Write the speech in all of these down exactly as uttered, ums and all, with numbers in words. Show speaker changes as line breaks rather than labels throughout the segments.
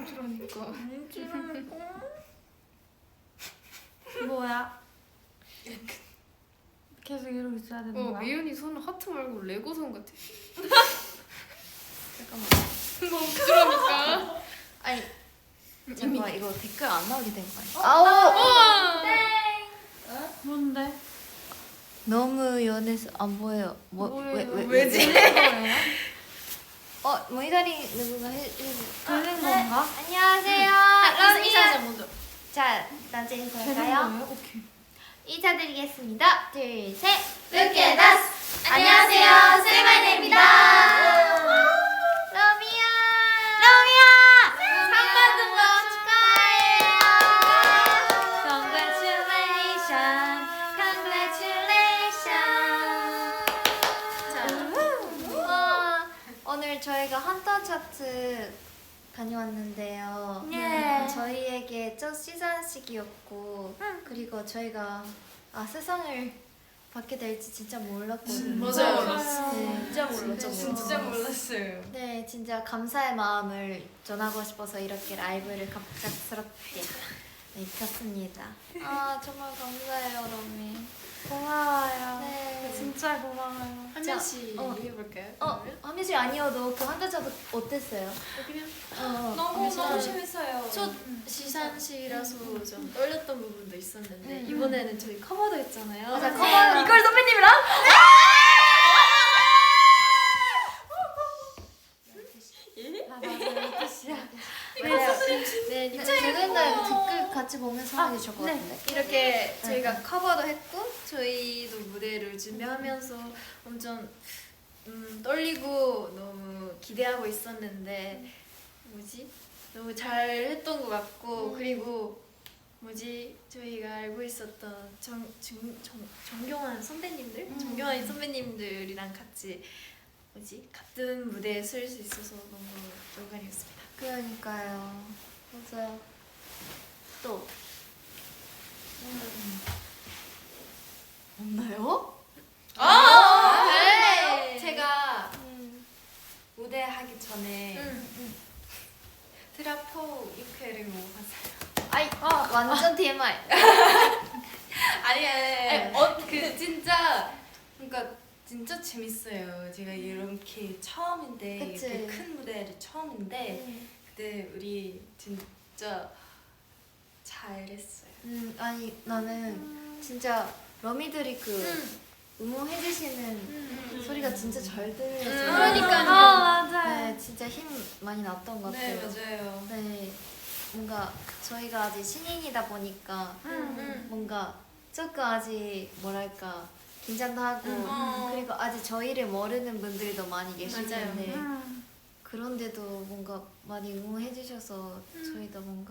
그러니까.
안지라고. 뭐야? 계속 이러고 있어야 되는
어,
거야?
미연이 손은 하트 말고 레고 손 같아.
잠깐만.
너무 부끄러우니까.
아니 잠깐만 이거 댓글 안 나오게 된 거 아니야?
아오!
우와!
뭔데?
너무 연해서 안 보여요. 뭐,
뭐예요?
왜, 왜,
왜지?
왜? 어, 모니터링 누군가 해, 해.
되는 건가?
안녕하세요.
인사
러미야.
먼저.
자, 나한테
되는
인사할까요?
거예요? 오케이.
인사드리겠습니다. 둘, 셋.
Look at us. 안녕하세요, 세이마이네입니다.
러미야. 러미야.
상만 등록
Congratulations. Congratulations. 와, 오늘 저희가 헌터 차트 다녀왔는데요.
예.
저희에게 첫 시상식이었고 그리고 저희가 아 세상을 받게 될지 진짜 몰랐거든요.
맞아요.
네.
진짜 몰랐죠.
진짜 몰랐어요.
네, 진짜 감사의 마음을 전하고 싶어서 이렇게 라이브를 갑작스럽게 네, 켰습니다. 아 정말 감사해요, 러미.
고마워요.
네.
진짜 고마워요.
한 명씩
어.
얘기해볼까요?
어, 한미씨 아니어도 그 한자차도 어땠어요?
그냥
어,
너무
한미씨
너무
아니-
재밌어요.
첫 시상식이라서 좀 떨렸던 부분도 있었는데
음.
이번에는 저희 커버도 했잖아요.
맞아,
네.
커버.
이걸 선배님이랑?
아 맞아요. 뜻이야.
네, 네, 두분다 댓글 같이 보면서 하는 게 좋을 것
네.
같은데.
이렇게 저희가 커버도 했고 저희도 무대를 준비하면서 엄청 음, 떨리고 너무 기대하고 있었는데 뭐지? 너무 잘 했던 것 같고 그리고 뭐지? 저희가 알고 있었던 정, 정, 정, 정경환 선배님들?
음.
정경환 선배님들이랑 같이 뭐지? 같은 무대에 설 수 있어서 너무 영광이었습니다.
그러니까요. 맞아요. 또 없나요?
아!
네.
제가
음.
무대 하기 전에
음.
트라포 육회를 먹어봤어요.
아이, 완전 티엠아이.
아니,
네.
아니, 어, 그 진짜 그러니까 진짜 재밌어요. 제가 이렇게 처음인데
그치.
이렇게 큰 무대를 처음인데 그때 우리 진짜 잘했어요.
음, 아니 나는 진짜 러미들이 그 응원해주시는 소리가 진짜 잘 들려서
음,
그러니까요. 아 맞아요.
네, 진짜 힘 많이 났던 것
네,
같아요.
맞아요.
네, 뭔가 저희가 아직 신인이다 보니까
음.
뭔가 조금 아직 뭐랄까 긴장도 하고
음.
그리고 아직 저희를 모르는 분들도 많이 계실
맞아요.
텐데
음.
그런데도 뭔가 많이 응원해주셔서 저희도 뭔가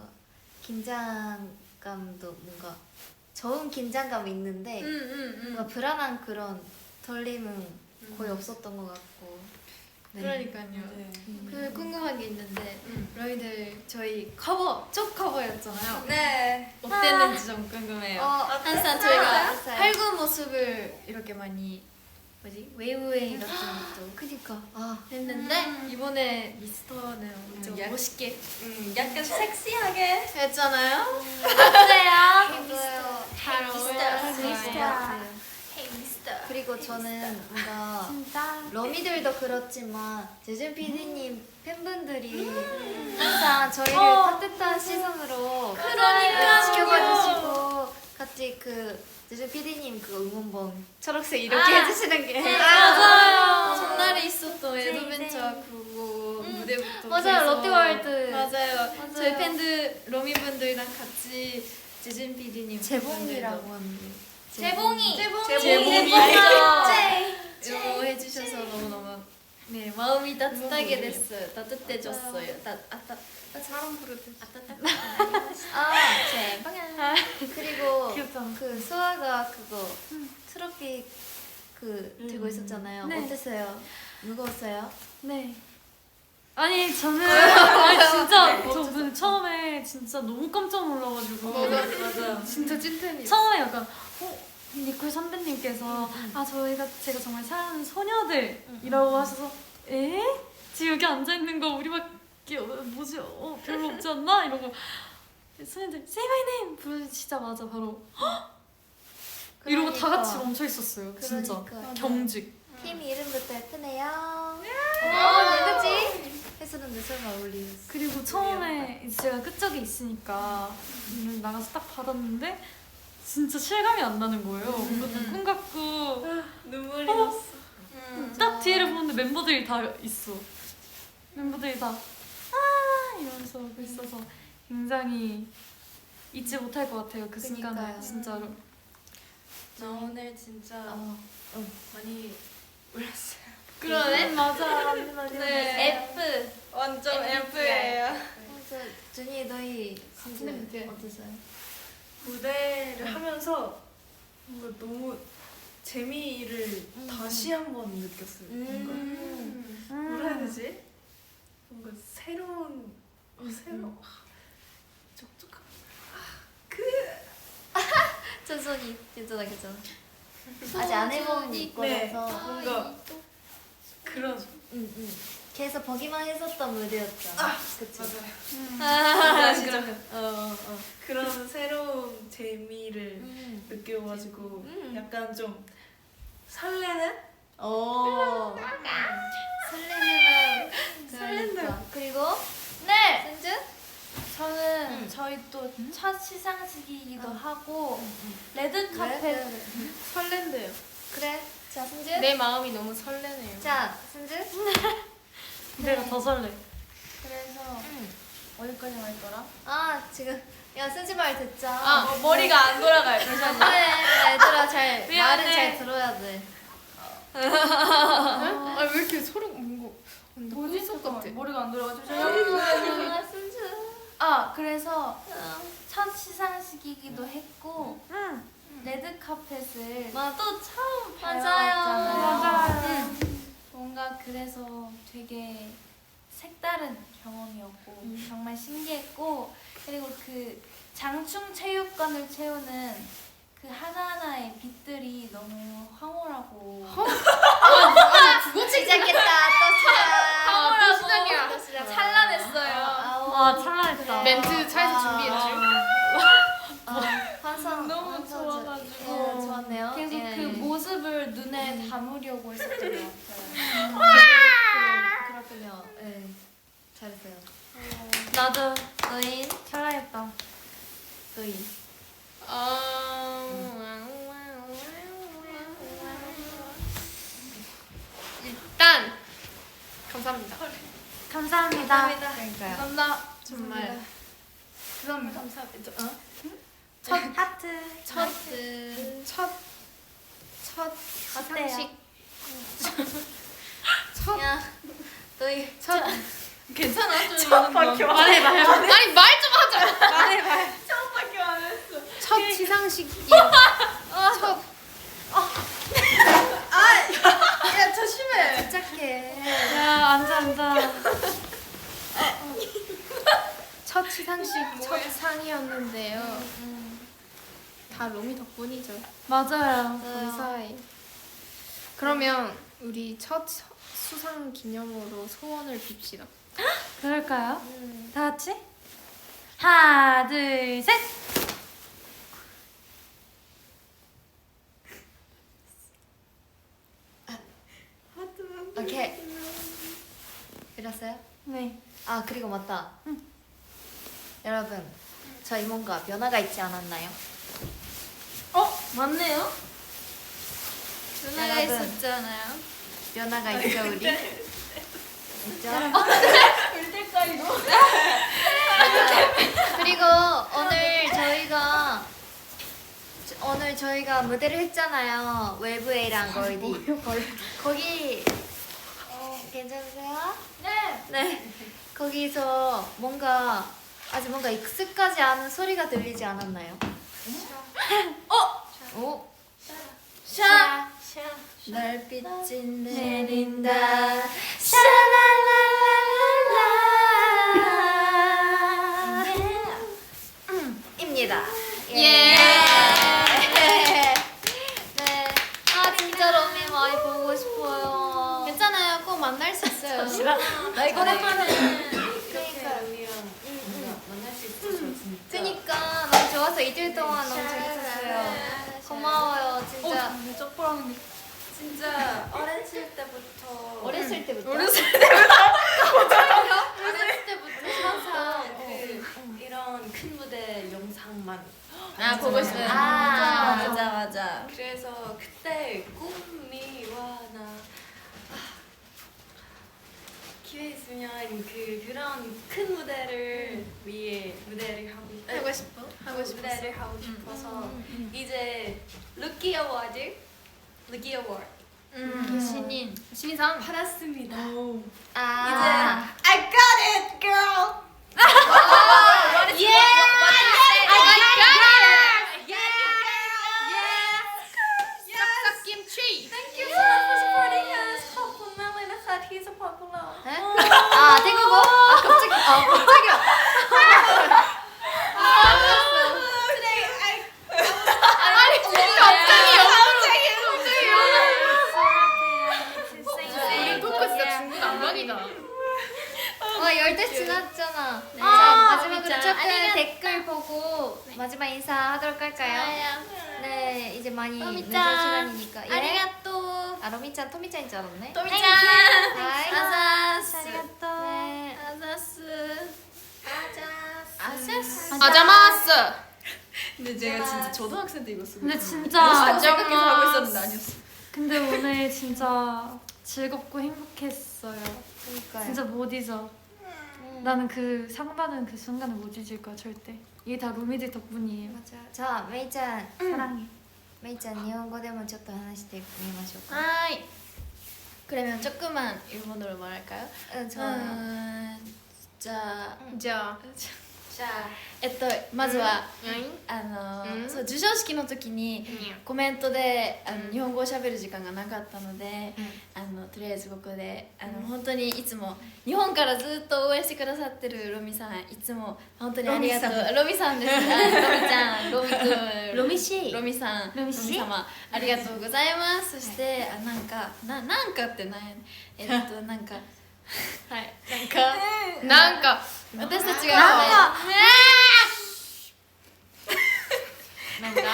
긴장감도 뭔가 좋은 긴장감이 있는데
음, 음, 음.
뭔가 불안한 그런 떨림은 거의 없었던 것 같고 네.
그러니까요.
네.
음.
그 궁금한 게 있는데
음.
저희들 저희 커버 첫 커버였잖아요.
네.
어땠는지 좀 궁금해요.
어,
항상
어땠어요?
저희가
어땠어요?
활구 모습을 이렇게 많이 뭐지 웨이브웨이 같은 것도
그니까 아
했는데 이번에 미스터는 엄청
음, 약-
멋있게
음, 약간 섹시하게.
했잖아요.
맞아요.
잘
미스터.
헤이 미스터.
그리고 저는 뭔가
진짜.
러미들도 그렇지만 재준 피디님 팬분들이 항상 저희를
어.
따뜻한 시선으로
그러니까요.
지켜봐 주시고 같이 그 재준 피디님 그 응원봉 초록색 이렇게
아.
해주시는 게
맞아요.
전날에 있었던
네,
에드벤처 그거 무대부터
맞아요,
계속-
롯데월드.
맞아요.
맞아요.
저희 팬들 로미분들이랑 같이 지진 피디님
재봉이라고 하는데
재봉이.
재봉이
재봉이.
이거 해주셔서 너무 너무 네 마음이 따뜻하게 됐어요. 따뜻해졌어요. 따 아따 아 사람 부르듯 아따따
아 재봉아 그리고
귀엽다.
그 수아가 그거 트로피 그 들고
음.
있었잖아요.
네.
어땠어요? 무거웠어요?
네. 아니 저는 아니 진짜 저는 처음에 진짜 너무 깜짝 놀라가지고
맞아. 진짜 찐텐이.
처음에 약간 어 니콜 선배님께서 아 저희가 제가 정말 사랑하는 소녀들이라고 하셔서 에? 지금 여기 앉아 있는 거 우리밖에 못 뭐지? 어 별로 없지 않나? 이러고 선생님들 Say my name 부르시자마자 바로 이러고 다
그러니까.
같이 멈춰 있었어요. 진짜
그러니까.
경직.
팀 이름부터 예쁘네요.
네.
어, 누구지? 했었는데 설마 어울리겠어.
그리고 처음에 이제 제가 끝쪽에 있으니까 문을 나가서 딱 받았는데 진짜 실감이 안 나는 거예요. 뭔가 꿈 같고
눈물이
어?
났어.
딱 뒤를 보는데 멤버들이 다 있어. 멤버들이 다 아 이러면서 오고 있어서 굉장히 잊지 못할 것 같아요. 그 순간을
그러니까요.
진짜로.
저 오늘 진짜
어.
많이 울었어요.
그러네.
음, 맞아 맞네 맞네.
네.
F.
완전 F예요.
어, 저 준이 너희 진짜
네.
어떠세요?
무대를 하면서 뭔가 너무 재미를
음.
다시 한번 느꼈어요. 뭔가
음.
뭐라 해야 되지? 뭔가 새로운 어, 새로 촉촉한
천천히 괜찮아 괜찮아. 아직 안 해본
천천히.
거라서.
뭔가 그런
응, 응. 계속 보기만 했었던 무대였잖아. 그치?
맞아요.
아,
진짜
어, 어, 어.
그런 새로운 재미를
음.
느껴가지고
음.
약간 좀 설레는
오. 설레는 설렌다. 그리고
네,
승주?
저는
음.
저희 또 첫 시상식이기도
음.
하고
응.
레드
그래,
카펫
그래, 그래.
설렌대요.
그래. 자 승주.
내 마음이 너무 설레네요.
자 승주.
내가 더 설레.
그래서
응.
어디까지 말했더라?
아 지금 야 승주 말 듣자.
아, 어, 머리가 안 돌아가요. 잠시만요.
그래 얘들아 잘
미안해.
말은 잘 들어야 돼.
아 왜 이렇게 소름 뭔가
뭐지?
속
잠깐만,
같아.
머리가 안 돌아가지고
아 승주.
아, 그래서
어.
첫 시상식이기도 했고
응.
레드 카펫을
맞-
또 처음
맞아요.
밟았잖아요.
맞아요.
뭔가 그래서 되게 색다른 경험이었고
음.
정말 신기했고 그리고 그 장충 체육관을 채우는 그 하나하나의 빛들이 너무 황홀하고
그거 시작했다 또 시작.
황홀하고
또 시작이야.
또 시작.
찬란했어요.
아우.
아 찬란했다.
멘트 차에서 준비했죠.
아, 환상
너무
환상
좋아가지고.
예, 좋았네요.
계속
예.
그 모습을 눈에 담으려고 했었던 것 같아요.
그, 그렇군요. 예. 잘했어요.
나도
너희
찬란했다.
너희.
일단 감사합니다.
감사합니다.
그러니까요.
감사합니다. 정말
감사합니다.
감사합니다. 어?
첫 하트.
첫, 첫, 첫
어때요?
시상식.
야 너희
첫,
괜찮아 좀
말해 말해.
아니 말 좀 하자.
말해 말해.
처음밖에 안 했어.
첫 시상식이요. 첫,
야 조심해.
착해.
야 앉아 앉아.
첫 시상식 첫 상이었는데요.
음.
다 로미 덕분이죠.
맞아요.
감사해. 그러면 우리 첫 서- 수상 기념으로 소원을 빕시다.
그럴까요?
음.
다 같이? 하나 둘 셋.
오케이. 이랬어요?
네.
아 그리고 맞다. 여러분 저희 뭔가 변화가 있지 않았나요?
어? 맞네요?
누나가
여러분.
있었잖아요.
변화가 있죠 우리. 있죠?
울 때까 이거?
그리고 오늘 저희가 저- 오늘 저희가 무대를 했잖아요. 웨브 A랑 걸디. 거기 어, 괜찮으세요?
네.
네. 거기서 뭔가 아직 뭔가 익숙하지 않은 소리가 들리지 않았나요? 어? 오. 샤. 날빛이 내린다. 샤라라라라. 입니다.
예.
네. 아 진짜 러미 많이 보고 싶어요.
괜찮아요. 꼭 만날 수 있어요.
싫어.
나 이거
오랜만에
그러니까
언니. 진짜 어렸을 때부터
어렸을 때부터.
어렸을
어렸을 때부터 항상 그 이런 큰 무대 영상만
아 보고 싶어요.
아,
맞아 맞아.
그래서 그때 꿈이 와나 아, 기회 있으면 그 그런 큰 무대를 위해 무대를 하고 싶-
하고 싶어? 하고 싶어.
무대를 하고 싶어서 이제 루키 어워드 루키 어워드
음.
신인.
신인상.
받았습니다.
아.
이제 I got it, girl.
Yeah. I got it.
싹싹 김치. Thank you so much for supporting us. ขอบคุณมากเลยนะคะที่ support พวกเรา
네? 아 태국어? 아 갑자기 아 갑자기요.
Today I
아니 갑자기
우리
토크 진짜 중국 안방이다.
어 열대 지났잖아.
네.
자
아,
마지막으로
진짜.
조금
아리가또.
댓글 보고 마지막 인사하도록 할까요?
좋아요.
네 이제 많이 늦은
토미짱.
시간이니까. 예?
아리가또.
아 로미짱 토미짱인 줄 알았네.
토미짱.
하이.
아자스.
아리가또. 네.
아자스.
아자스.
아자마스. 근데 제가 진짜 초등학생 때 이거 쓰고.
근데 진짜
생각해서 하고 있었는데 아니었어.
근데 오늘 진짜 즐겁고 행복했어요.
그러니까요.
진짜 못 잊어.
음.
나는 그 상받은 그 순간을 못 잊을 거야 절대. 이게 다 루미들 덕분이에요.
맞아. 자 메이짱
사랑해.
메이짱 일본어でもちょっと話してみましょうか.
하이. 그러면 조금만 일본어로 말할까요?
응 좋아요.
음, 자,
자,
じゃあ
えっとまずは、
うん
あの、
うん
そう授賞式の時にコメントであの、日本語を喋る時間がなかったので、あのとりあえずここであの、本当にいつも日本からずっと応援してくださってるロミさんいつも本当にありがとうロミさんですあロミちゃんロミくん
ロミシー
ロミさん
ロミシー
様ありがとうございますそして、あなんかななんかってなんやねんえっとなんかはいなんか
なんか
私たちが
なんか
なんか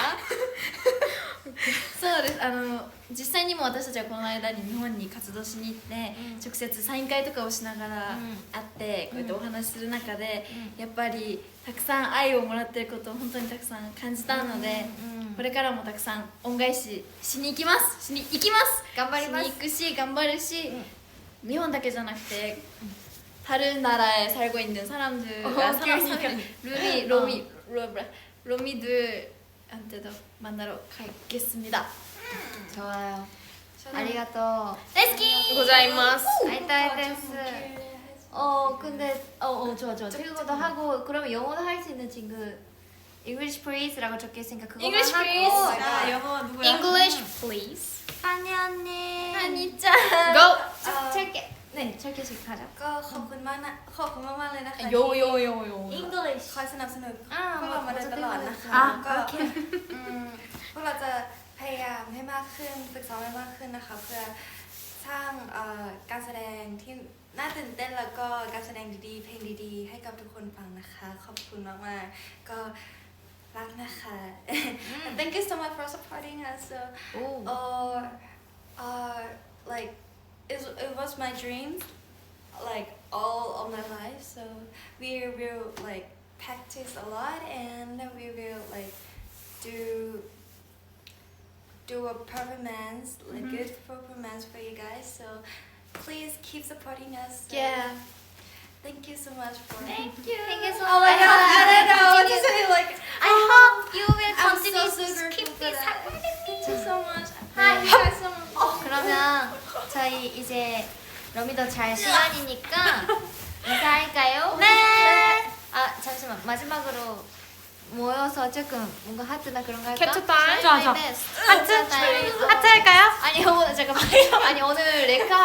そうですあの実際にも私たちはこの間に日本に活動しに行って、直接サイン会とかをしながら会って、こうやってお話しする中で、やっぱりたくさん愛をもらってることを本当にたくさん感じたので、これからもたくさん恩返ししに行きますしに行きます
頑張ります
しに行くし頑張るし、日本だけじゃなくて다른 나라에 살고 있는 사람들과 사람, 사람, 루미, 로미, 로, 로미들한테도 만나러 가겠습니다.
좋아요. 아리가또.
大好き
ございます。
아이따이 데스. 어 근데 어어 좋아 좋아. 태국어도 하고 그러면 영어도 할 수 있는 친구. English please라고 적혀 있으니까 그거
English
하고.
please.
아 영어 누구야?
English please.
한이 언니.
한이짱.
Go.
아, 짧게. 네, 짧게씩 하자.
ก็ขอบคุณมากนะขอบคุณมากๆเลยนะคะ
요요요요.
English.
คอยสนับสนุน
อ่า
พวกเรามาโดยตลอดนะคะ
อ่า
ก็
โอเค
อืมพวกเราจะพยายามให้มากขึ้นฝึกซ้อมให้มากขึ้นนะคะ เพื่อสร้างเอ่อการแสดงที่น่าตื่นเต้นแล้วก็การแสดงดีๆเพลงดีๆ ให้กับทุกคนฟังนะคะ ขอบคุณมากๆก็รักนะคะ Thank you so much for supporting us so
오.
uh, uh, like it, it was my dream like all of my life so we will like practice a lot and we will like do do a performance like good performance for you guys so please keep supporting us so
Yeah.
thank you so much for
Thank you. Thank you so
oh my
much.
god I don't know what to
Continue.
say like
I hope you will
I'm
continue
so, so
to keep
grateful for
this
that.
happening.
Thank you so much.
Hi.
Thank you guys so much.
그러면 저희 이제 러미도 잘 시간이니까 인사할까요?
네.
아 잠시만 마지막으로 모여서 조금 뭔가 하트나 그런 거 할까?
캡처 타임?
좋아, 좋아.
하트 타임.
하트 할까요?
아니 오늘 잠깐만 아니 오늘 레카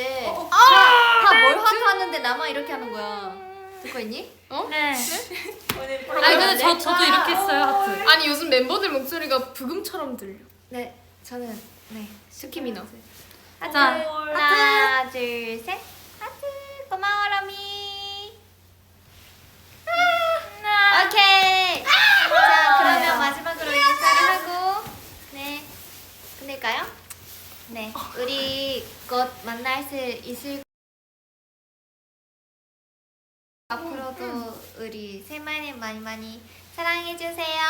할때다뭘 하트 하는데 나만 이렇게 하는 거야. 듣고 있니?
네.
아니, 근데
저 저도 이렇게 했어요 하트.
아니 요즘 멤버들 목소리가 부금처럼 들려.
네 저는 네
스키미너.
하트
자,
하나 둘 셋 하트 고마워 러미 아, 오케이 자 그러면 마지막으로 인사를 하고 네 끝낼까요? 네, 우리 곧 만날 수 있을 앞으로도 우리 세마님 많이 많이 사랑해 주세요.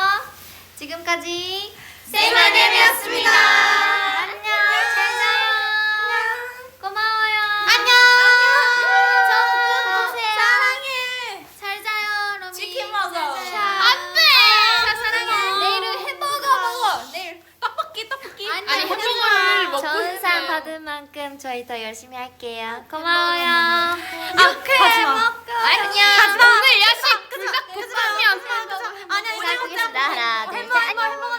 지금까지 세마님이었습니다. 안녕. 잘 자요. 고마워요. 안녕. 저끝 보세요. 사랑해. 잘 자요, 로미.
치킨 먹어.
안돼. 사랑해. 내일은 햄버거 먹어. 내일
떡볶이 떡볶이.
아니,
아니 햄버거를 먹고
전산
싶어요.
받은 만큼 저희 더 열심히 할게요. 고마워요.
아, 가지마.
안녕.
오늘 야식 불닭볶음면.
시작하겠습니다. 하나, 둘, 셋. 안녕.